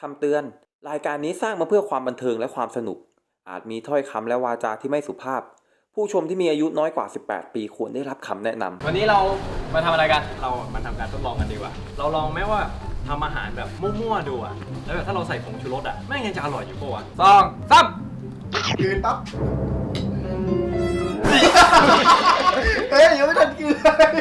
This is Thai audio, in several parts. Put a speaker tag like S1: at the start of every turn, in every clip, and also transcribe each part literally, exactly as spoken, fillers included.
S1: คำเตือนรายการนี้สร้างมาเพื่อความบันเทิงและความสนุกอาจมีถ้อยคำและวาจาที่ไม่สุภาพผู้ชมที่มีอายุน้อยกว่าสิบแปดปีควรได้รับคำแนะนำ
S2: วันนี้เรามาทำอะไรกันเรามาทำการทดลองกันดีกว่าเราลองแม้ว่าทำอาหารแบบมั่วๆดูอะแล้วแบบถ้าเราใส่ผงชูรสอะแม่งยังจะอร่อยอยู่ปะวะสองสาม
S3: กินปั๊บเฮ้ยยังไม่ทันกินเลย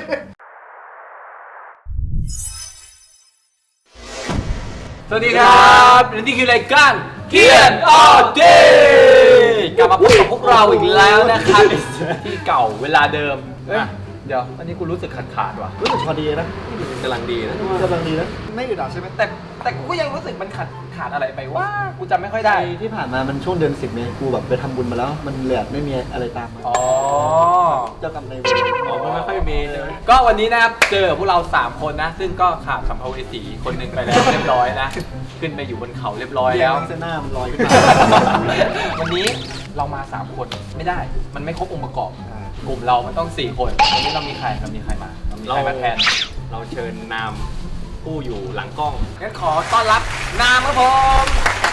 S2: สวัสดีครับและนี่คือรายการเกียนออเดย์กลับมาพบกับพวกเราอีกแล้วนะครับที่เก่าเวลาเดิมเดี๋ยวอันนี้กูรู้สึกขาดขาดว่ะ
S3: รู้สึกพอดีนะ
S2: กำลังดีนะ
S3: กำลังดีนะไม่อึดอัดใช่ไหม
S2: แต่แต่กูก็ยังรู้สึกมันขาดขาดอะไรไปว่ากูจำไม่ค่อยได้
S3: ที่ผ่านมามันช่วงเดือนสิบเมษกูแบบไปทำบุญมาแล้วมันเหลือไม่มีอะไรตามมา
S2: อ๋อ
S3: เจ้ากรรมนายเวร
S2: อ๋อมันไม่ค่อยมีใช่ไหมก็วันนี้นะครับเจอพวกเราสามคนนะซึ่งก็ขาดสัมภเวสีคนหนึ่งไปแล้วเรียบร้อยนะขึ้นไปอยู่บนเขาเรียบร้อยแล้ว
S3: เส้นหน้ามันลอยขึ้นมา
S2: วันนี้เรามาสามคนไม่ได้มันไม่ครบองค์ประกอบกลุ่มเรามันต้องสี่คนวันนี้เรามีใครเรามีใครมาเรามีใครมาแทนเราเชิญนามผู้อยู่หลังกล้องงั้นขอต้อนรับนามครับผม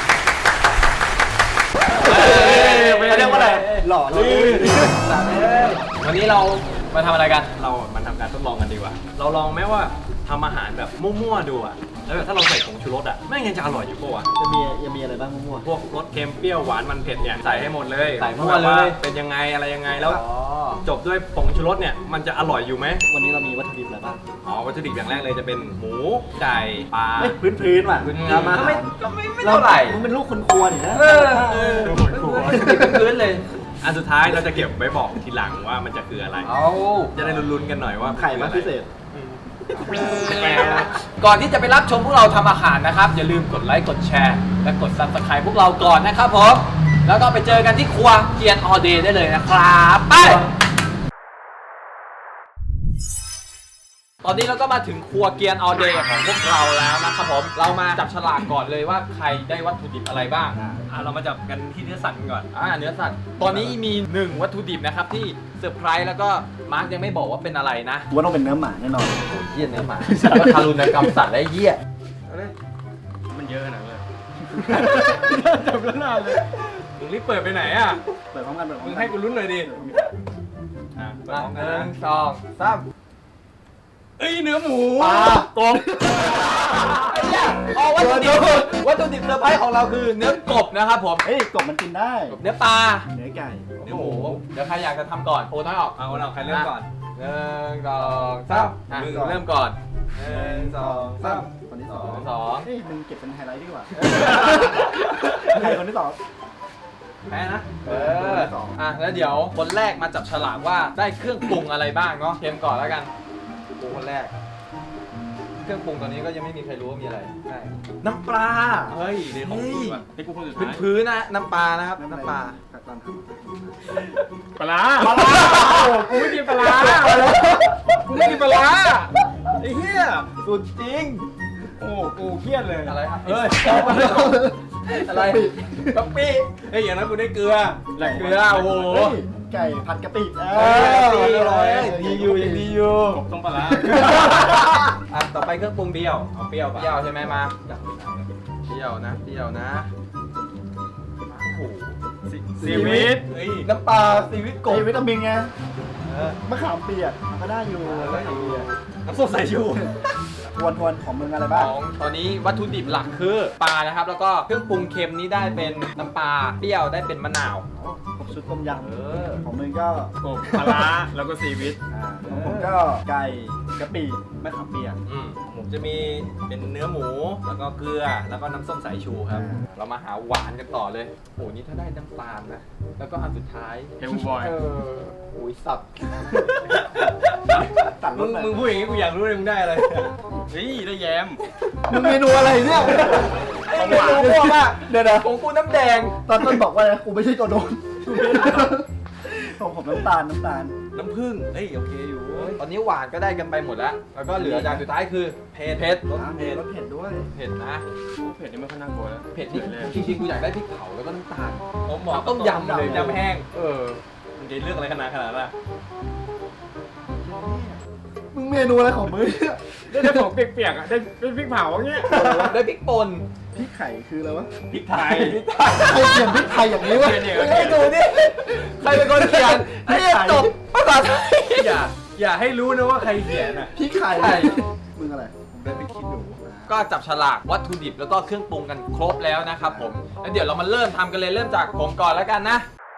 S3: เขาเรียกว่าอะไรหล่อเลย
S2: วันนี้เรามาทำอะไรกันเรามาทำการทดลองกันดีกว่าเราลองแม้ว่าทำอาหารแบบมั่วๆดูอะแล้วแบบถ้าเราใส่ผงชูรสอะแม่งยังจะอร่อยอยู่ปะวะ
S3: จะมียังมีอะไรบ้างมั่ว
S2: พวกรสเค็มเปรี้ยวหวานมันเผ็ดเนี่ยใส่ให้หมดเลย
S3: ใส่มั่วเลย
S2: เป็นยังไงอะไรยังไงแล้วจบด้วยผงชูรสเนี่ยมันจะอร่อยอยู่ไหม
S3: วันนี้เรามีวัตถุดิบอะไรบ้าง
S2: อ๋อวัตถุดิบอย่างแรกเลยจะเป็นหมูไก่ปลา
S3: พื้นพื้นว่ะ
S2: พื้น
S3: มา
S2: ไม่ไม่ไม่เท่าไหร่
S3: มันเป็นลูกคนครัวนี่นะ
S2: เออพื้นเลยอันสุดท้ายเราจะเก็บไว้บอกทีหลังว่ามันจะคืออะไรจะได้ลุ้นๆกันหน่อยว่า
S3: ไข่มาพิเศษ
S2: ก่อนที่จะไปรับชมพวกเราทำอาหารนะครับอย่าลืมกดไลค์กดแชร์และกด ซับสไครบ์ พวกเราก่อนนะครับผมแล้วก็ไปเจอกันที่ครัวเกียนออเดย์ได้เลยนะครับไปตอนนี้เราก็มาถึงครัวเกียนออเดย์ของพวกเราแล้วนะครับผมเรามาจับฉลากก่อนเลยว่าใครได้วัตถุดิบอะไรบ้างอ่าเรามาจับกันที่เนื้อสัตว์ก่อนอ่าเนื้อสัตว์ตอนนี้มีหนึ่งวัตถุดิบนะครับที่เซอร์ไพรส์แล้วก็มาร์กยังไม่บอกว่าเป็นอะไรนะ
S3: ว่าต้องเป็นเนื้อหมาแน่นอน
S2: โอ้ยเหี้ยเนื้อหมาก็ทารุณกรรมสัตว์ได้เหี้ยมันเยอะขนาดนั้น
S3: จับแล้วนานเลย
S2: มึงรีบเปิดไปไหนอ่ะ
S3: เปิดพร้อมกันเปิดพร้อ
S2: มึ
S3: มกัน
S2: งให้กูลุ้นหน่อยดิอ่ะเปิดพร้อมกันหนึ่งสองสามเอ้ยเนื้อหมู
S3: ปลากบ
S2: ไอ้เนี่ยอ๋อวัตถุดิบวัตถุดิบเซอร์ไพรส์ของเราคือเนื้อกบนะครับผม
S3: เฮ้ยกบมันกินได้
S2: เนื้อปลา
S3: เนื้อไก่
S2: เนื้อหมูเดี๋ยวใครอยากจะทำก่อนโอ้น้อยออกเอาเราใครเริ่มก่อนหนึ่งสองสามมึงเริ่มก่อนหนึ่งสองสาม
S3: คนที่สอง
S2: สอง
S3: เฮ้ยมึงเก็บเป็นไฮไลท์ดีกว่าใครคนที่สอง
S2: แพ้นะเอออ่ะแล้วเดี๋ยวคนแรกมาจับฉลากว่าได้เครื่องปรุงอะไรบ้างเนาะเค็มก่อนแล้วกันปรุงคนแรกเครื่องปรุงตอนนี้ก็ยังไม่มีใครรู้ว่ามีอะไรใช่น้ำปลาเฮ้ยในของกูอ่ะในกูคนสุดท้ายพื้นๆนะน้ำปลานะครับน้ำปลา
S3: ปลา
S2: ปลาโอ้กูไม่กินปลากูไม่กินปลาไอ้เหี้ยสุดจริงโอ้กูเครียดเลยอะไรครับเฮ้ยอะไรกะปิเฮ้ยอย่างนั้นกูได้เกลือแหล่งเกลือโอ้โห
S3: ไก่ผัดกะปิ
S2: เอออร่อยดีอยู่ยังดีอยู่กบต้มปลาอ่ะต่อไปเครื่องปรุงเปรี้ยวเอาเปรี้ยวเปรี้ยวใช่ไหมมาเปรี้ยวนะเปรี้ยวนะโอ้โหซีวิตน้ำปลาซีวิตกบ
S3: วิตามินไงมะขามเปียกก็ได้อยู่แล้วอย่างนี้
S2: น้ำส้มสายชู
S3: ทวนทวนของมึงอะไรบ้าง
S2: ของตอนนี้วัตถุดิบหลักคือปลานะครับแล้วก็เครื่องปรุงเค็มนี้ได้เป็นน้ำปลาเปรี้ยวได้เป็นมะนาว
S3: ครบชุดต้มยำของมึงก็
S2: กบปลาแล้วก็ซีวิต
S3: ของผมก็ไก่กะปิมะขามเปียก
S2: ผมจะมีเป็นเนื้อหมูแล้วก็เกลือแล้วก็น้ำส้มสายชูครับเรามาหาหวานกันต่อเลยโอ้นี่ถ้าได้น้ำตาลนะแล้วก็อันสุดท้าย
S3: เฮลบอย
S2: เอออุ้ยสับมึงมึงพูดอย่างนี้กูอยากรู้เลยมึงได้อะไรเฮ้ยได้แยม
S3: มึงเมนูอะไรเนี่ย
S2: เมนูพวกอะเดี๋ยวนะของกูน้ำแดง
S3: ตอนต้นบอกว่ากูไม่ใช่ตัวโดนของผมน้ำตาลน้ำตาล
S2: น้ำผึ้งเอ้ยโอเคอยู่ตอนนี้หวานก็ได้กันไปหมดแล้วแล้วก็เหลืออย่างสุดท้ายคือเผ็ดเผ็ด
S3: รสเผ็ดรสเผ็ดด้วย
S2: เผ็ดนะ
S4: เผ็ดนี่ไม่ค่อยน่ากลัวแล้ว
S2: เผ็ดนี่จริงๆกูอยากได้พริกเผาแล้วก็น้ำตาลผมบอกต้มยำเลยยำแห้งเออมึงจะเลือกอะไรขนาดขนาดน่ะ
S3: มึงเมนูอะไรของมึง
S4: ได้แต่ของเปียกๆอ่ะได้พริกเผาอย่างเงี้ย
S2: ได้พริกป่น
S3: พริกไข่คืออะไรวะ
S4: พริกไทย
S3: ใครเขียนพริกไทยอย่างนี้วะ
S2: มึงให้ดูนี่ใครเป็นคนเขียนไอ้เนี่ยจบภาษาไทย
S4: อย่าอย่าให้รู้นะว่าใครเขียนอ่ะ
S3: พริกไข่
S2: ใช่
S3: มึงอะไร
S4: ผมได้ไปคิดหนู
S2: ก็จับฉลากวัตถุดิบแล้วก็เครื่องปรุงกันครบแล้วนะครับผมแล้วเดี๋ยวเรามาเริ่มทำกันเลยเริ่มจากผมก่อนแล้วกันนะ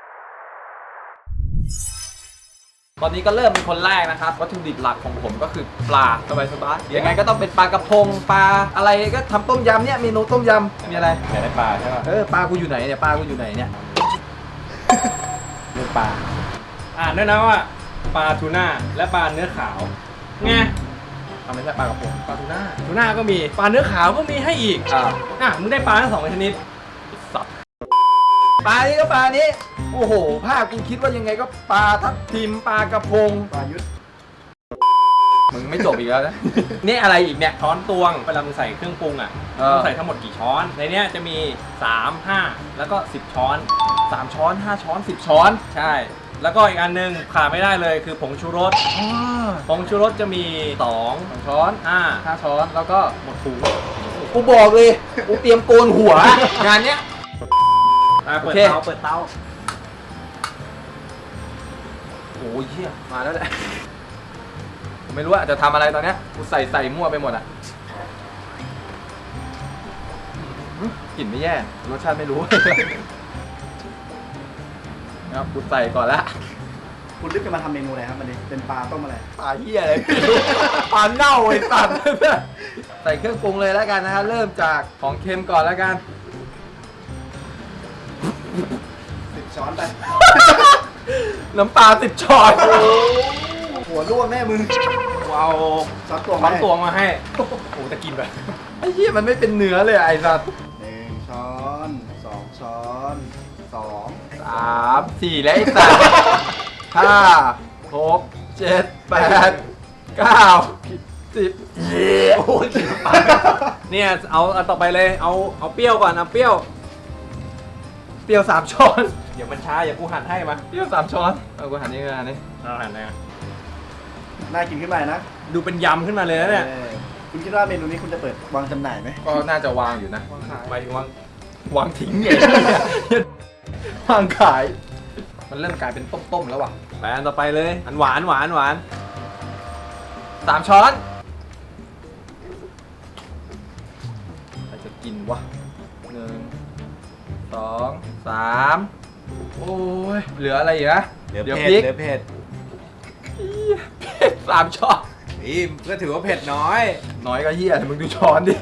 S2: ตอนนี้ก็เริ่มเป็นคนแรกนะครับวัตถุดิบหลักของผมก็คือปลาสบายสบายๆยังไงก็ต้องเป็นปลากระพงปลาอะไรก็ทำต้มยำเนี่ยเมนูต้มยำมีอะไร
S4: อยากได้ปลาใช่ป่ะ
S2: เออปลากูอยู่ไหนเนี่ยปลากูอยู่ไหนเนี่ย
S4: เนื้อปลาอ่านด้วยนะว่าปลาทูน่าและปลาเนื้อขาวไง
S2: ทำไม่ใช่ปลากระพงปลาทูน่า
S4: ทูน่าก็มีปลาเนื้อขาวก็มีให้อีก
S2: อ่า
S4: อ่ะมึงได้ปลาทั้งสองชนิด
S2: สับปลานี้ก็ปลานี้โอ้โหภาพกูคิดว่ายังไงก็ปลาทับทิมปลากระพง
S3: ปลายุทธ
S2: มึงไม่จบอีกแล้วนะ นี่อะไรอีกเนี่ย
S4: ช้อนตวงเวลามึงใส่เครื่องปรุงอ่ะ
S2: เออ
S4: ต้องใส่ทั้งหมดกี่ช้อนในเนี้ยจะมีสาม ห้าแล้วก็สิบช้อน
S2: สามช้อนห้าช้อนสิบช้อน
S4: ใช่ แล้วก็อีกอันหนึงขาดไม่ได้เลยคือผงชูรสผงชูรสจะมีสอง
S2: สองช้อน
S4: ห้า
S2: ห้าช้อนแล้วก็
S4: หมดถุง
S2: กูบอกเลยกูเตรียมโกนหัว งานเนี้ย
S4: อ่ะเปิด
S2: โอเค
S4: เตาเปิดเตา
S2: โอ้ยเหี้ยมาแล้วแหละผมไม่รู้ว่าจะทำอะไรตอนเนี้ยกูใส่ใส่มั่วไปหมดอ่ะอื้อกลิ่นไม่แย่รสชาติไม่รู้ นะครับกูใส่ก่อนละ
S3: คุณลึกจะมาทำเมนูอะไรครับมันนี้เป็นปลาต้มอะไร
S2: ปลาเหี้ยอะไรไม่รู้ปลาเน่าไอ้สัตว์ใส่เครื่องปรุงเลยแล้วกันนะฮะเริ่มจากของเค็มก่อนแล้วกัน
S3: สิบช้อนไป
S2: น้ำปลาสิบช้อน
S3: หัวร่วงแน่มึง
S4: กูเอา
S3: ช้อนตัว
S4: ช้อนตวงมาให้โอ้โหจะกินแบบ
S2: ไอ้เหี้ยมันไม่เป็นเนื้อเลยไอ้สัตว์
S3: หนึ่งช้อนสองช้อนสอง
S2: สามสี่แล้วไอ้สัตว์ห้าหกเจ็ดแปดเก้าสิบเย้โอ้ย
S4: เนี่ยเอาเอาต่อไปเลยเอาเอาเปรี้ยวก่อนเอาเปรี้ยว
S2: เปรี้ยวสามช้อน
S4: เดี๋ยวมันช้าอย่ากูหั่นให้มา
S2: เปรี้ยวสามช้อนเอากูหันนี่กันนี่
S4: เราหั่นนะ
S3: น่ากินขึ้นมานะ
S4: ดูเป็นยำขึ้นมาเลยนะเนี่ย
S3: ออคุณคิดว่าเมนูนี้คุณจะเปิดวางจำหน่ายไหม
S2: ก็น่าจะวางอยู่นะ
S4: ไปถึงว่าว
S2: างทิ้งเองวางขาย มันเริ่มกลายเป็นต้มๆแล้วว่ะ
S4: ไปอันต่อไปเลยอันหวานหวานหวาน
S2: สามช้อนใครจะกินวะหนึ่งสองสามโอ้ยเหลืออะไรอีกนะ
S4: เหลือ
S2: เดี๋ยว
S4: เผ็
S2: พริก
S4: ดเหลือเผ็ด
S2: สามช้อน
S4: อีมก็ถือว่าเผ็ดน้อย
S2: น้อยก็เฮียมึงดูช้อนดิ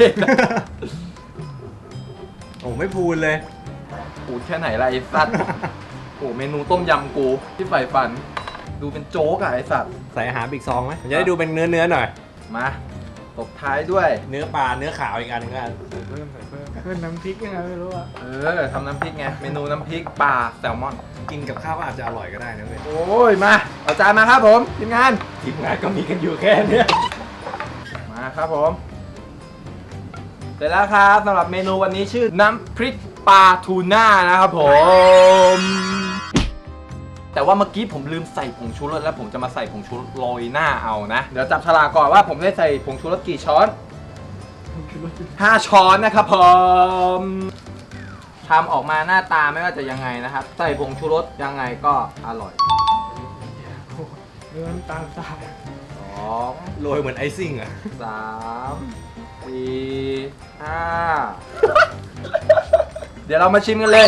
S4: โอ้ไม่พูนเลย
S2: ปูดแค่ไหนล่ะไอ้สัตว์ โอ้เมนูต้มยำกูที่ใฝ่ฝัน ดูเป็นโจ๊กอะไอ้สัตว์
S4: ใส่อาหารอีกซองไหมผมจะได้ดูเป็นเนื้อเนื้อหน่อย
S2: มาตบท้ายด้วย
S4: เนื้อปลาเนื้อขาวอีกอันหนึงกัน
S3: เพิ่มน้ำพริกยังไงไม่รู้อะ
S2: เออทำน้ำพริกไง เมนูน้ำพริกปลาแซลมอน
S4: กินกับข้าวก็อาจจะอร่อยก็ได้นะเว้ย
S2: โอ้ย มาเอาจานมาครับผมทีมงาน
S4: ทีมงานก็มีกันอยู่แค่เนี้ย
S2: มาครับผมเสร็จแล้วครับสำหรับเมนูวันนี้ชื่อน้ำพริกปลาทูน่านะครับผม แต่ว่าเมื่อกี้ผมลืมใส่ผงชูรสแล้วผมจะมาใส่ผงชูรสโรยหน้าเอานะ เดี๋ยวจับฉลากก่อนว่าผมได้ใส่ผงชูรสกี่ช้อนห้าช้อนนะครับผมทำออกมาหน้าตาไม่ว่าจะยังไงนะครับ ใส่ผงชูรสยังไงก็อร่อย
S3: เนื้อตาลทราย
S2: สอง
S4: โรยเหมือนไอซิ่งอ่ะ
S2: สามสี่ห้า เดี๋ยวเรามาชิมกันเลย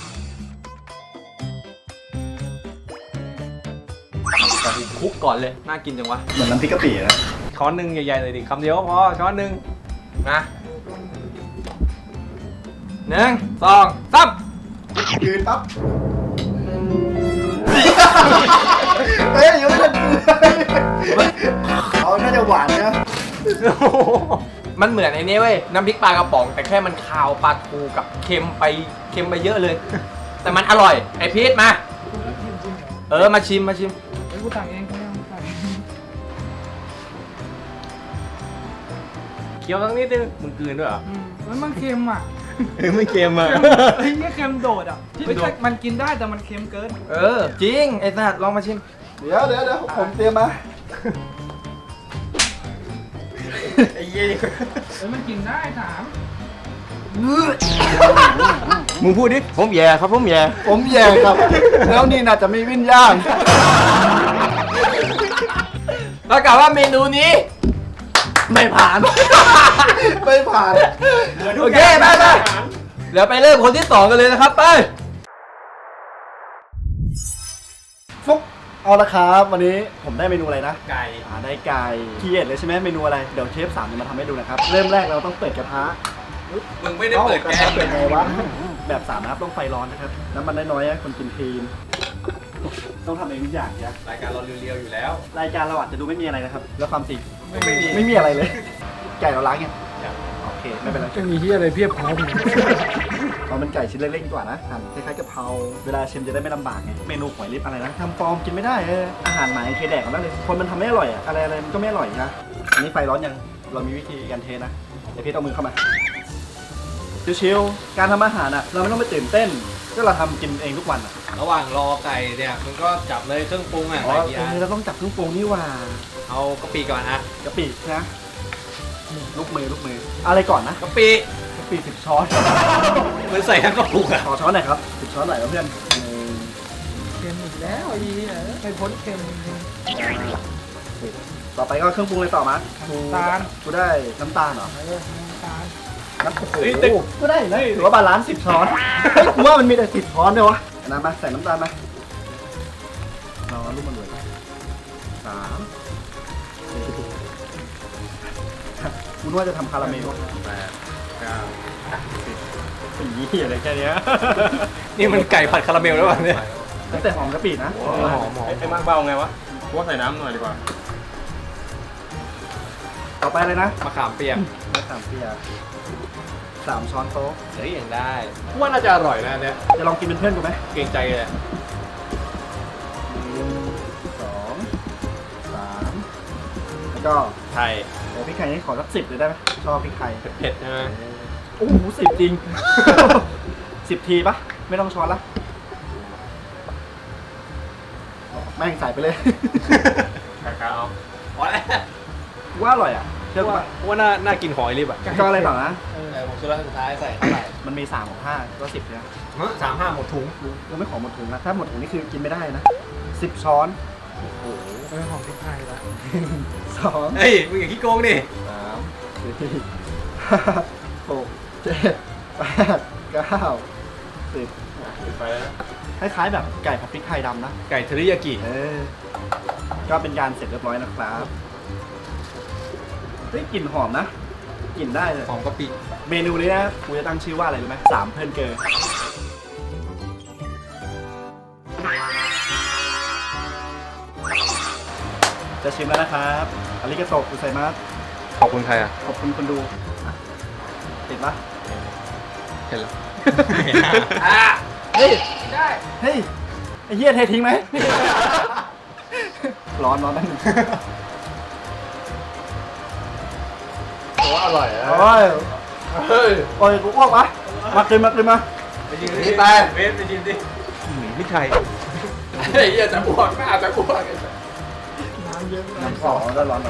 S2: ก่อนอื่นคลุกก่อนเลย น่ากินจังวะ
S3: เหมือนน้ำพริกกะปินะ
S4: ช้อนหนึ่งใหญ่ๆเลยดิคำเดียวก็พอช้อนหนึ่ง
S2: นะหนึ่งสองสาม
S3: ยืนปั๊บเฮ้ยยังไม่ทันเขาน่าจะหวานนะ
S2: มันเหมือนไอ้นี่เว้ย น้ำพริกปลากระป๋อง แต่แค่มันคาวปลาทูกับเค็มไปเค็มไปเยอะเลย แต่มันอร่อย ไอพีทมา เออ มาชิมมาชิม
S3: เฮ้ยกูตักเองกูไม่เอาตัก
S4: เคี้ยวสักนิดนึงมึงกลืนด้วยเหรอ
S5: มันมันเค็มอ่ะ
S4: เฮ้ยไม่เค็มอ่ะ
S5: ไอ้เนี่ยเค็มโดดอ่ะไม่ใช่มันกินได้แต่มันเค็มเกิน
S2: เออ จริง ไอ้สัตว์ลองมาชิม
S3: เดี๋ยวเดี๋ยวเดี๋ยวผมเตรียมมา
S4: ไอ้เหี้ย
S5: เอ้ยมันกินได้ถาม
S4: มึงพูดดิ ผมแย่ครับผมแย่
S3: ผมแย่ครับ แล้วนี่น่าจะมีวิญญาณ
S2: ประกาศว่าเมนูนี้
S3: ไม่ผ่าน ไม่ผ่าน
S2: โอเคไปไปเดี๋ยวไปเริ่มคนที่สองกันเลยนะครับไป
S3: ฟุ๊กเอาละครับวันนี้ผมได้เมนูอะไรนะ
S4: ไก่
S3: อ่าได้ไก่คีเอทเลยใช่ไหมเมนูอะไร เดี๋ยวเชฟสามจะมาทำให้ดูนะครับ เริ่มแรกเราต้องเปิดกระทะ
S2: มึงไม่ได้เปิดแก๊ส
S3: เปิดไงวะแบบสามนะครับต้องไฟร้อนนะครับน้ำมันน้อยๆนะคนกินคลีนต้องทำเองทุกอย่างนะ
S2: รายการเราเรียวๆอยู่แล้ว
S3: รายการเราอาจจะดูไม่มีอะไรนะครับ แล้วความจริง
S2: ไม่มี
S3: ไม่มีอะไรเลย ไก่เราล้างยังโอเคไม่เป็นไร
S5: จะมีที่อะไรเพียบพร้อม
S3: เอาเป็นไก่ชิ้นเล็กๆดีกว่านะหั่นคล้ายๆกะเพราเวลาชิมจะได้ไม่ลำบากไงเมนูหอยลิบอะไรนะทำฟอร์มกินไม่ได้เอออาหารหมาเคยแดกกันแล้วเลยคนมันทำไม่อร่อยอะอะไรอะไรมันก็ไม่อร่อยนะอันนี้ไฟร้อนยังเรามีวิธีการเทนะเดี๋ยวพี่เอามือเข้ามาชิวๆการทำอาหารอะเราไม่ต้องไปตื่นเต้นก็เราทำกินเองทุกวันอะ
S2: ระหว่างรอไก่เนี่ยมึงก็จับเลยเครื่องปรุงอ่ะ
S3: อ๋อ
S2: ใส่กี่
S3: เอ
S2: อัน
S3: อเราต้องจับเครื่องปรุงนี่หว่า
S2: เอากะปิก่อนนะ
S3: กะปินะลูกมือลูกมืออะไรก่อนนะ
S2: กะปิ
S3: กะปิสิบช้อน
S2: เหมือนใส่ทั้งกระปุกอ่ะ
S3: ขอช้อนหน่อยครับสิบช้อนหน่อยครับเพื่อนหนึ่ง
S5: เค็มอีกแล้วไอ้เนี่ยไม่พ้นเค็มจริง
S3: ต่อไปก็เครื่องปรุงเลยต่อมา
S5: น้ำตาล
S3: กูได้น้ำตาลเหรอ
S5: ๆเออน้ำตาล
S3: น้ำโอ้โหก็ได้นะถือว่าบาลานซ์สิบช้อนเฮ้ยกูว่ามันมีแต่สิบช้อนเลยวะน้ำมาใส่น้ำตาลมาเราลูกมันเลยสามสี่คุณว่าจะทำคาราเมล
S4: แปดเก้าสิบสี่อะไรแค่เนี้ย
S2: นี่มันไก่ผัดคาราเมลแล้วป่ะเนี่ย
S3: ตั้งแต่หอมกะปินะ
S2: หอมหอม
S4: ไอ้มากเบาไงวะพวกใส่น้ำหน่อยดีกว่า
S3: ต่อไปเลยนะ
S2: มะขามเปียก
S3: มะขามเปียกสามช้อนโต๊ะ
S2: เฮ้ยยังได้
S4: ว่าน่าจะอร่อยนะอันเนี่ย
S3: จะลองกินเป็นเพื่อนกูไหม
S2: เกรงใจเลย
S3: หนึ่งสองสามแล้วก็
S4: ไทย
S3: โอ้พริกไทยนี่ขอสักสิบเลยได้ไหมชอบพริกไทย
S4: เผ็ดใช่ไหม
S3: โอ้โหสิบจริง สิบทีปะไม่ต้องช้อนละแม่งใส่ไปเลย
S4: คาเอา
S2: พอแล้ว
S3: ว่าอร่อยอ่ะเชื่อกู
S4: ว่า
S3: ปะ
S4: ว่าน่าน่ากินหอยรีบอ่ะ
S3: ก็อะไรต่อนะ
S2: เออผมชุดสุดท้ายใส่เท่าไหร่
S3: มันมีสามของห้าก็สิบเนี่ย
S4: สามห้าหมดถุง
S3: เราไม่ขอหมดถุงนะถ้าหมดถุงนี่คือกินไม่ได้นะสิบช้อน
S5: เออหอมพริกไทยละ
S3: สอง
S2: เฮ้ยมึงอย่าขี้โกงดิ
S3: สามสี่ห้าหกเจ็ดแปดเก้าสิบ
S4: ปิดไปแล้ว
S3: คล้ายๆแบบไก่ผัดพริกไทยดำนะ
S2: ไก่เทริยากิ
S3: เออ ก็เป็นการเสร็จเรียบร้อยนะครับเฮ้ยกลิ่นหอมนะกลิ่นได้เลย
S2: หอมกะปิ
S3: เมนูนี้นะกูจะตั้งชื่อว่าอะไรรู้ไหมสามเพื่อนเกิร์จะชิมแล้วนะครับอาริกาโตะกุไซมัส
S2: ขอบคุณใครอ่ะ
S3: ขอบคุณคนดูอ่ะติดปะ
S2: เห็นแล้ว
S3: เฮ้ยได้เฮ้ยไอ้เหี้ยเททิ้งไหม ร้อนร้อนนั่น
S4: ว่าอร่อยนะ
S3: โอ้ย
S4: เฮ้ย
S3: โอ้ยกูอ้วกวะมากินมากินมา
S4: ไปยืน
S2: นี่ไป
S4: เวสไปยืนดิ
S2: ไม่ไทย
S4: เฮ้ยอย่าจะบวกหน้าจะบวก
S5: น้ำเยอะ
S3: น้ำสองแล้วร้อนหน่อย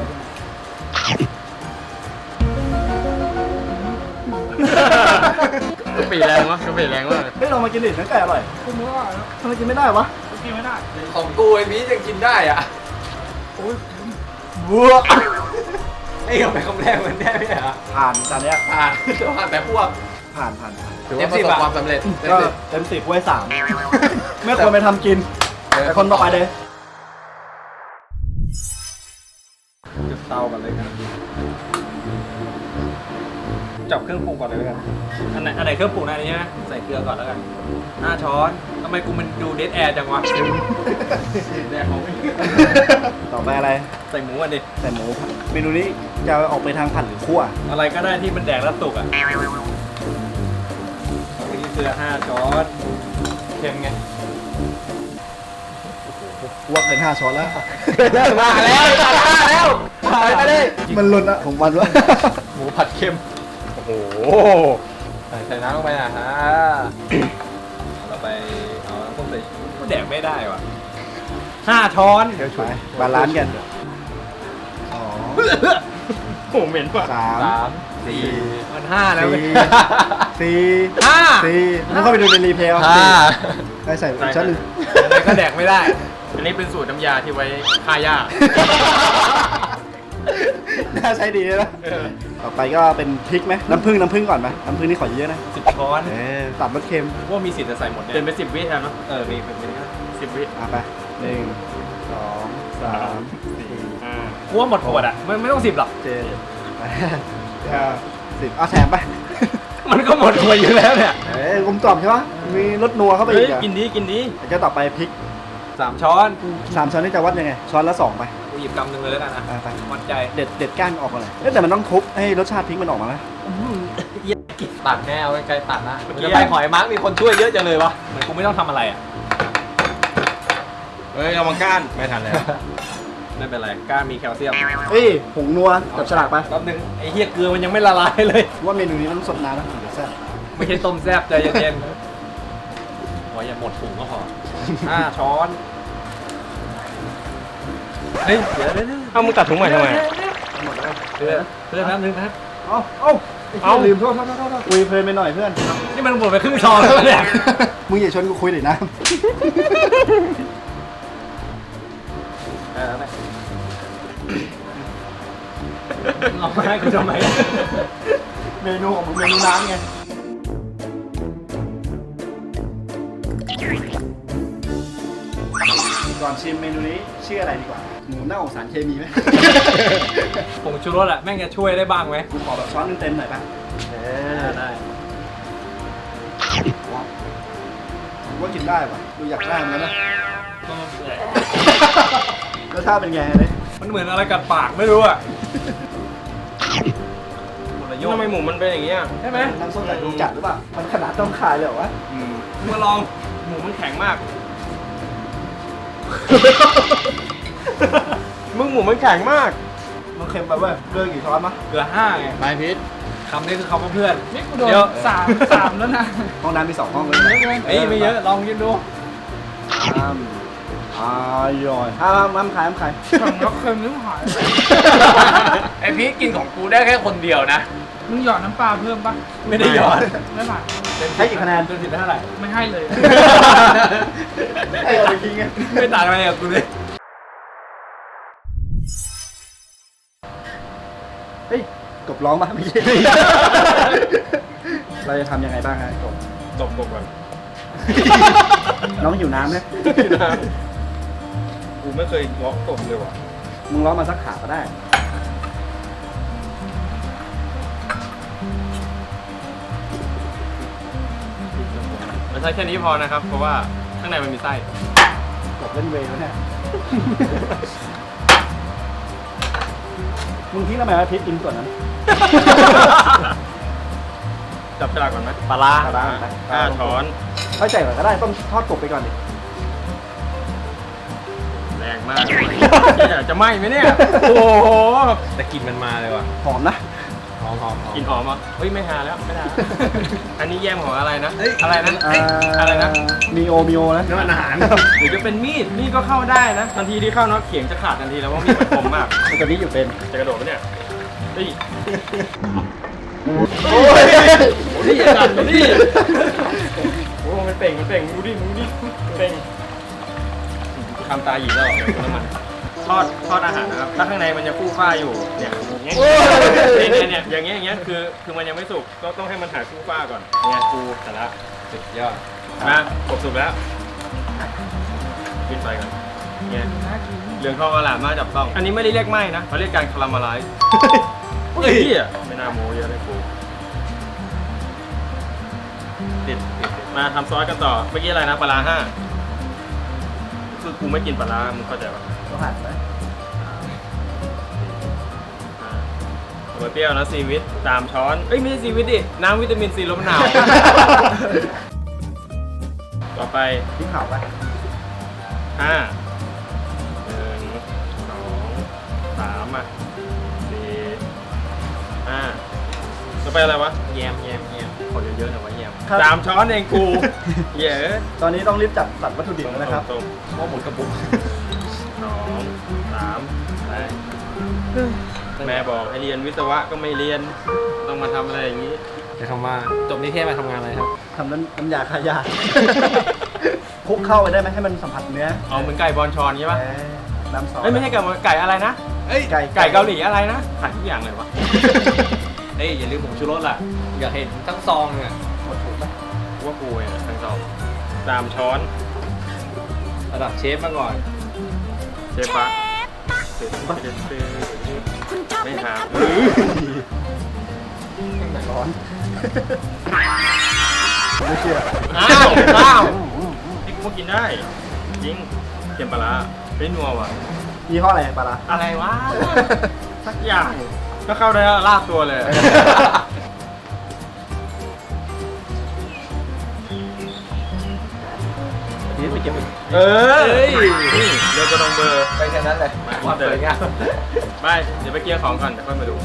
S4: กะปิแรงวะกะปิแรงมาก
S3: เฮ้ยเรามากินดิเนื้อไก่อร่อย
S5: คุณรู้ว่าแล้ว
S3: ทำไมกินไม่ได้วะ
S5: กินไม่ได้
S2: ของกูไอ้บียังกินได้อ่ะ
S5: โอ้ย
S3: บัว
S2: ไอ้กับไปคำแรกมันได้ไหมอ่ะ
S3: ผ่านจานเนี้ย
S2: ผ่านผ่านแต่พวก
S3: ผ่านผ่านผ่าน
S2: เต็มสิบความสำเร็จเต็ม
S3: ก็
S2: สิบ
S3: เต็มสิบไว้สามไม่ควรไปทำกิน แต่คนต่อไปเลย
S4: จุดเตากันเลยกันจับเครื่องปรุงก่อนเลยแล้วกันอันไหนอันไหนเครื่องปรุงนะอันนี้ใช่ไหมใส่เกลือก่อนแล้วกันห้าช้อนทำไมกูมันดูเดดแอร์จังวะแดกของ
S3: ต่อไปอะไร
S4: ใส่หมูกันดิ
S3: ใส่หมูเมนูนี้จะออกไปทางผัดหรือคั่ว
S4: อะไรก็ได้ที่มันแดกแล้วสุกอ่ะอันนี้เกลือห้าช้อนเค็มไง
S3: คั่วเป็นห้าช้อนแล้ว
S2: มาแล้วมาแล้วมาเลย
S3: มันหล่นอะของมันวะ
S4: หมูผัดเค็มโอ้โห
S2: ใส่น้ำลงไปนะฮะ
S4: เราไปเอาน้ำส้มสายชูก็แดกไม่ได้ว่ะห้าช้อน
S3: เดี๋ยวช่วยบาลานซ์กันสอง
S4: โอ้เหม็นว่ะ
S3: สาม
S2: สาม
S3: สี่
S2: มันห้าแล้วเว้ย
S3: สี่
S2: ห้า
S3: สี่มึงเข้าไปดูในรีเพลย์เอา
S2: ห้า
S3: ได้ใส่อีกชั้นหนึ่ง
S2: อะไรก็แดกไม่ได้
S4: อันนี้เป็นสูตรน้ำยาที่ไว้ฆ่าหญ้า
S3: น่าใช้ดีนะต่อไปก็เป็นพริกไหมน้ำผึ้งน้ำผึ้งก่อนไหมน้ำผึ้งนี่ขอเยอะนะ
S4: สิบช้อน
S3: เออตัดรสเค็ม
S4: ว่ามีสิทธิ์จะใส่หมดเนี่ยเป็นไปสิบวิแทนเนาะเออมีเป็นเป็นสิบวิ
S3: อ่ะไปหนึ่งสองสามสี่
S4: อ่ากูว่าหมดขวดอ่ะไม่ไม่ต้องสิบหรอก
S3: เจ็ดแปดเก้าสิบเอาแถมไป
S4: มันก็หมดขวดอยู่แล้วเนี่ย
S3: เอ้ยกลมกล่อมใช่ปะมีรสนัวเข้าไป
S4: เฮ้
S3: อี
S4: ย
S3: กอ่ะ
S4: กินดีกินดี
S3: แล้วก็ต่อไปพริก
S2: สามช้อน
S3: สามช้อนนี่จะวัดยังไง ช้อนละสองไป
S2: กูหยิบกำหนึ่งเลยแล้วกันนะ
S3: อ่ะไป
S2: วัดใจ
S3: เด็ดเด็ดก้านออกก่อนเลยเอ้ยแต่มันต้องทุบให้รสชาติพริกมันออกมานะ
S2: ตัดแน่เอาไกลๆตัดนะมันจะไปหอยมาร์กมีคนช่วยเยอะจังเลยวะ
S4: เหมือนกูไม่ต้องทำอะไรอ่ะเฮ้ยเอามาก้านไม่ทันแล้วไม่เป็นไรก้านมีแคลเซียม
S3: เอ้ยผงนัวจับฉลากไป
S2: แป๊บนึงไอ้เหี้ยเกลือมันยังไม่ละลายเลย
S3: ว่าเมนูนี้มันต้องสดน้ำนะถึงจะแซ่บ
S2: ไม่ใช่ต้มแซ่บใจเย็นๆโอ้ยอย่าหมดถุงก็พอห้าช้อนเฮ้ยเดี๋ยวเดี๋ยวเดี๋ยว
S4: เอามึงตัดถุงใหม่ทำไม
S3: หมดแล้ว
S2: เพื่อนเพื่อนแป๊บนึงนะ
S3: เอ้าเอ้าไอ้เหี้ย
S4: เอ้า
S3: ลืมโทษโทษโทษโทษคุยเพลินไปหน่อยเพื่อน
S2: นี่มันหมดไปครึ่งช้อนแล้วเนี่ย
S3: มึงอย่าชวนกูคุยเลยนะ
S2: เออไปเอามาให้กูทำไม
S3: เมนูของมึงเมนูน้ำไง ก่อนชิมเมนูนี้ชื่ออะไรดีกว่า หมูเน่าสารเคมีไหม
S2: ผงชูรสอะแม่งจะช่วยได้บ้างไหม
S3: กูขอแบบช้อนเต็มๆหน่อยป่ะ เออ
S2: ได้
S3: ว้าวผมว่ากินได้ป่ะ ดูอยากได้เหมือนกันนะรสชาติเป็นไงเลย
S2: มันเหมือนอะไรกัดปากไม่รู้อะหมดละโยก
S4: ทำไมหมูมันเป็นอย่างเงี้ย
S2: ใช่ไหม
S3: น้ำส้มสายชูจัดหรือเปล่า มันขนาดต้องขายเลยเหรอวะ
S4: อืม
S2: มาลอง
S4: หมูมันแข็งมาก มึงหมูมันแข็งมาก
S3: มันเค็มไปเว้ยเลือกกี่ช้อนมะ
S2: เกลือห้าไง
S4: ไปพิษ
S2: คำนี้คือคำว่าเพื่อน
S5: นี่กูโดน
S2: เดี๋ยว
S5: สามสามแล้วนะ
S3: ห้องน้ำมีสองห้องเลย
S2: เฮ้ยไม่เยอะลองกินดู
S3: อ้ามอร่อยห้ามห้ามขายห้ามขาย
S5: ฝั่งเราเค็มนิ้วหาย
S2: ไอพีคกินของกูได้แค่คนเดียวนะ
S5: มึงหยอดน้ำปลาเพิ่มปะ
S2: ไม่ได้หยอด
S5: ไม่ผ่าน
S3: ให้กี่คะแนน
S2: เป็นสิบได้เท่าไหร่
S5: ไม่ให้เลย
S3: ให้เอาไปทิ้งไง
S2: ไม่ต่างอะไรกับกูเลย
S3: เฮ้ยกบร้องปะไม่ใช่ เราจะทำยังไงบ้างฮะกบ
S4: ตบกบก่อน
S3: น้องหิวน้ำไหม
S4: กูไม่เคยล็อกกบเลยว่ะ
S3: มึงร้องมาสักขาก็ได้
S4: มันใช้แค่นี้พอนะครับ เพราะว่าข้างในมันมีไส้
S3: กบเล่นเวย์แล้วเนี่ย มึงทิ้งทำไมวะพริกอินส่วนนั้น
S4: จับฉลากก่อนไหม
S2: ปลาร้า
S3: ปลาร้า
S4: ห้าช้อน
S3: ค่อยใส่ก่อนก็ได้ต้องทอดกบไปก่อนดิ
S4: แรงมากเนี่ยจะไหม้ไหมเนี่ย โอ้โหแต่กลิ่นมันมาเลยว่ะ
S3: หอมนะ
S2: หอมหอมหอม
S4: กลิ่นหอมอ่ะเฮ้ยไม่หาแล้วไม่ได้ อันนี้แยมของอะไรนะ อะไรนะ
S3: อ่า
S4: อะไรนะ
S3: มีโอมีโอนะ
S4: น้ำมันอาหารหรือจะเป็นมีด มีดก็เข้าได้นะ ทันทีที่เข้าเนาะเขียงจะขาดทันทีแล้วว่ามีดมันคมมาก
S3: มันตัวนี้อยู่เป็น
S4: จะกระโดดไหมเนี่ยเฮ้ย
S3: โอ้ย
S4: โอ้ยอย่าดันมาดิโอ้มันเป่ง มันเป่งดูดิดูดิมันเป่งทำตาหยีแล้วเหรอเดี๋ยวน้ำมัน ทอด ทอดอาหารนะครับ ถ้าข้างในมันจะฟูฟ้าอยู่ เนี่ยอย่างเงี้ยเนี่ยเนี่ยอย่างเงี้ย อย่างเงี้ย คือ คือมันยังไม่สุก ก็ต้องให้มันหายฟูฟ้าก่อนเนี่ยฟูแต่ละ
S2: สุดยอด
S4: นะกบสุกแล้วปิดไฟก่อนเนี่ย
S5: น่ากิน
S4: เหลืองทองอร่ามมากจับต้อง อันนี้ไม่ได้เรียกไหม้นะเขาเรียกการคาราเมลไลซ์เฮ้ยไม่น่าโม้เยอะเลยกูติดติดติดมาทำซอสกันต่อ เมื่อกี้อะไรนะปลาร้าห้าคือกูไม่กินปลาร้ามึงเข้าใจปะ
S3: ต้องหั่นไป
S4: อ่าหัวเปรี้ยวนะซีวิตสามช้อน เอ้ยไม่ใช่ซีวิตดิ น้ำวิตามินซีลดมะนาว ต่อไป
S3: พริกเผาไป
S4: ห้าหนึ่งสองสามอ่ะสี่ห้าต่อไปอะไรวะ
S2: แยมแยมแยมขอเยอะๆหน่อยว่าแยม
S3: ครับ
S4: สามช้อนเองกู เยอะ
S3: ตอนนี้ต้องรีบจัดตัดวัตถุดิบแล้วนะครับ
S4: ตรง
S2: ว่าหมดกระปุก
S4: ๆสองสามไปแม่บอกให้เรียนวิศวะก็ไม่เรียนต้องมาทำอะไรอย่างนี้
S2: จะคำว่าจบนิเทศมาทำงานอะไรครับ
S3: ทำน้ำน้ำยาขายา คลุกเข้าไปได้ไหมให้มันสัมผัสเนื้อ
S4: เอาเหมือนไก่บอลชอนใช่ปะ
S3: เออน้ำซอส
S4: เอ้ยไม่ใช่ไก่บอลไก่อะไรนะ
S2: เอ้ย
S3: ไก่
S4: ไก่เกาหลีอะไรนะขายทุกอย่างเลยวะ
S2: เอ้ยอย่าลืมผงชูรสล่ะ อยากเห็นทั้งซองเนี่ย
S3: หมดถูกปะ
S4: ว่ากูเนี่ยทั้งสองสามช้อน
S2: ระดับเชฟมาก่อน
S4: เชฟปะไม่หา
S3: ร้อน ไม่เชื่อ
S4: อ้าวอ้าวนี่กูก็กินได้จริงเค็มปลาร้าไม่นัวว่ะ
S3: ยี่ห้ออะไรปลาร้า
S4: อะไรวะสักอย่างก็เข้าได้แล้วลาบตัวเลย
S3: นี่ไปเก็บไป
S4: เออนี่เดี๋ยวจะลองเบอร์
S2: ไปแค่นั้นเลยความสวยงาม
S4: ไปเดี๋ยวไปเกียร์ของก่อนเดี๋ยวค่อยมาดู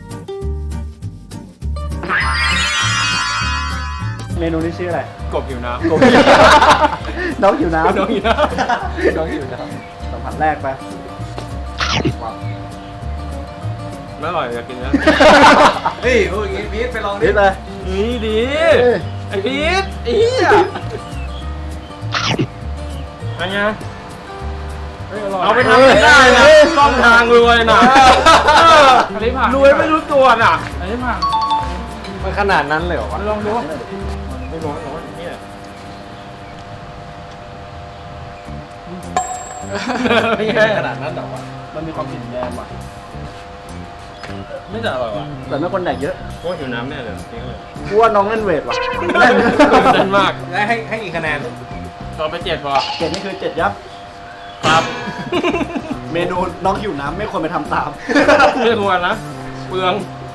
S3: เมนูนี้ชื่ออะไร
S4: กบหิวน้ำ
S3: กบ น้องหิวน้ำ
S4: น้องหิวน้
S2: น้องอยู่นะ
S3: สัมผัสแรกไป
S4: ำไม่อร่อยอยากกินแล้ว
S2: เฮ้ยพูดอย่างงี้พีทไปลองดิ
S3: นิดเลย
S4: นี่ดี
S3: เอ้ย
S4: ไอ้พีทไอ้เหี้ยอะไรเงี้ยเอาไปทำไม่ได้นะต้องทางรวยนะ
S5: อันนี้ผ่าน
S4: รวยไม่รู้ตัวน่ะ
S5: อันนี้ผ่าน
S2: มันขนาดนั้นเลยเหรอวะ
S5: ลองดู
S4: ไม่ร้อนร้อนเนี่ย
S2: ไม่ใช่ขนาดนั้นหรอวะ
S3: มันมีความกลิ่นแรงว่ะ
S4: ไม่จะอร่อยว่ะ
S3: แต่ไม่คนแดกเยอะ
S4: เพราะหิวน้ำแน่เลยจริงเลย
S3: กูว่าน้องเล่นเวทว่ะ
S4: เต้นมาก
S2: แล้วให้ให้กี่คะแนน
S4: ต่อไปเจ็ดพอ
S3: เจ็ดนี่คือเจ็ดยับ
S4: ครับ
S3: เมนูน้องหิวน้ำไม่ควรไปทำตาม
S4: ไม่ควรนะเปลือง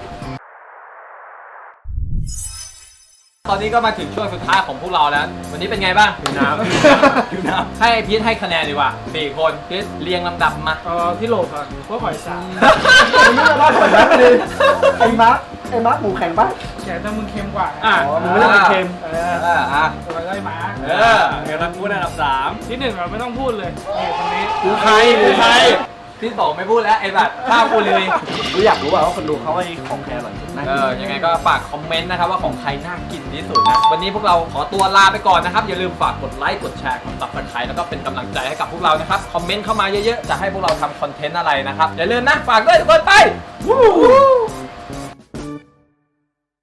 S2: ตอนนี้ก็มาถึงช่วงสุดท้ายของพวกเราแล้ว วันนี้เป็นไงบ้าง
S4: หิวน้ำ
S2: หิวน้ำให้พีทให้คะแนนดีกว่าสี่คนพีทเรียงลำดับมา
S5: เออที่โหลก่อนพวกหอยสาม
S3: ไอ้นี่เราได้ผลนะพอดีไอ้มาร์คไอ้มาร์คหมูแข็งปะ
S5: แกแต่มึงเค็มกว่า
S4: อ่ะ
S3: อ๋อมึงไม่ได้เป็นเค็ม
S5: เอ
S2: เอ
S5: อ
S2: ออ่ะ
S5: ตัวได้หมา
S2: เออเดี๋ยวเราพูดอันดับสาม
S5: ที่หนึ่งเราไม่ต้องพูดเลยนี่คนนี้
S4: กูใครกูใคร
S2: ที่สองไม่พูดแล้วไอ้บัตรข้าวกูเลย
S3: กูอยากรู้ว่าว่าคนดูเขาให้ของแคร์อร่อยสุดนะ
S2: เออ ยังไงก็ฝากคอมเมนต์นะครับว่าของใครน่ากินที่สุดนะ วันนี้พวกเราขอตัวลาไปก่อนนะครับ อย่าลืมฝากกดไลค์ กดแชร์ กดซับสไครต์แล้วก็เป็นกำลังใจให้กับพวกเรานะครับ คอมเมนต์เข้ามาเยอะๆ จะให้พวกเราทำคอนเทนต์อะไรนะครับ อย่าลืมนะ ฝากด้วยทุกคนไป วู้